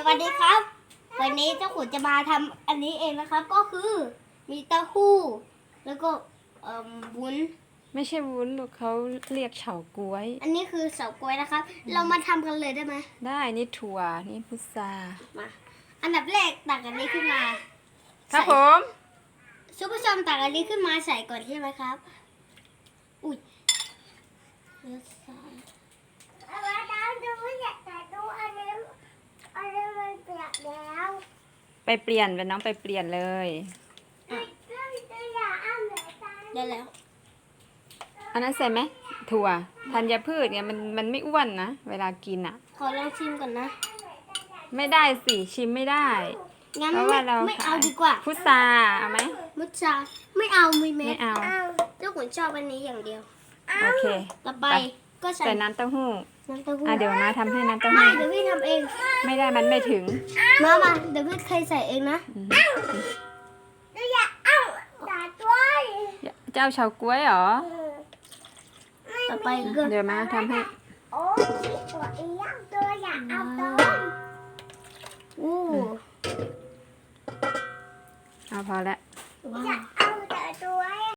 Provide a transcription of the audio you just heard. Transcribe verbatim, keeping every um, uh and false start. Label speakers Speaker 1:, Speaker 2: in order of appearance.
Speaker 1: วัสดีครับ วันนี้เจ้าขุนจะมาทำอันนี้เองนะครับ ก็คือมีเต้าหู้แล้วก็เอ่อวุ้น
Speaker 2: ไม่ใช่วุ้นลูกเขาเรียกเฉาก๊วย
Speaker 1: อันนี้คือเฉาก๊วยนะครับ เรามาทำกันเลยได้ไหม
Speaker 2: ได้นี่ถั่วนี่พุทรา
Speaker 1: มาอันดับแรกตักอันนี้ขึ้นมา
Speaker 2: ครับ
Speaker 1: ใส่
Speaker 2: ผม
Speaker 1: ซุปเปอร์ซอมตักอันนี้ขึ้นมาใส่ก่อนใช่ไหมครับ อุ้ยแล้วใส่
Speaker 3: เอาไว้แล้วดูไม่อยากแต่ดูอันนี้อันนี้มันเปียกแล้ว
Speaker 2: ไปเปลี่ยนเป็นน้องไปเปลี่ยนเลย
Speaker 3: ก็จะอยากเอาไหนตา
Speaker 1: ได้แล้ว
Speaker 2: อันนั้นใส่ไหมถั่วธัญพืชเนี่ยมันมันไม่อ้วนนะเวลากินอ่ะ
Speaker 1: ขอลองชิมก่อนนะ
Speaker 2: ไม่ได้สิชิมไม่ได้
Speaker 1: งั้น
Speaker 2: เพราะ
Speaker 1: ไม่
Speaker 2: ว่าเรา
Speaker 1: ไม่เอาดีกว่า
Speaker 2: พุทราเอาไหม
Speaker 1: มุชาไม่เอามีเม็
Speaker 2: ไม่
Speaker 1: ด
Speaker 2: เอา
Speaker 3: เอา
Speaker 1: เจ้าขุนชอบอันนี้อย่างเดียว
Speaker 2: โอเค
Speaker 1: ต่อไปก็ใส่
Speaker 2: ใส่น้ำเต้าหู้
Speaker 1: น้ำเต้าหู้
Speaker 2: อ่ะเดี๋ยวมาทำให้น้ำเต้า
Speaker 1: ไม่
Speaker 2: หู้
Speaker 1: เดี๋ยวพี่ทำเอง
Speaker 2: ไม่ได้มันไม่ถึง
Speaker 1: มามาเดี๋ยวพี่เคยใส่เองนะ
Speaker 2: อืม
Speaker 3: ดูอยากเอาตาด้วย
Speaker 2: เจ้าเฉาก๊วยเหรอ
Speaker 1: ต่อไปก็
Speaker 2: เดี๋ยวมาทำให้
Speaker 3: โอ้ยตัวเองตัวอยากเอาตัว
Speaker 1: อู้
Speaker 2: เอาพอแล้ว
Speaker 1: ว้า
Speaker 3: อยาว กเอา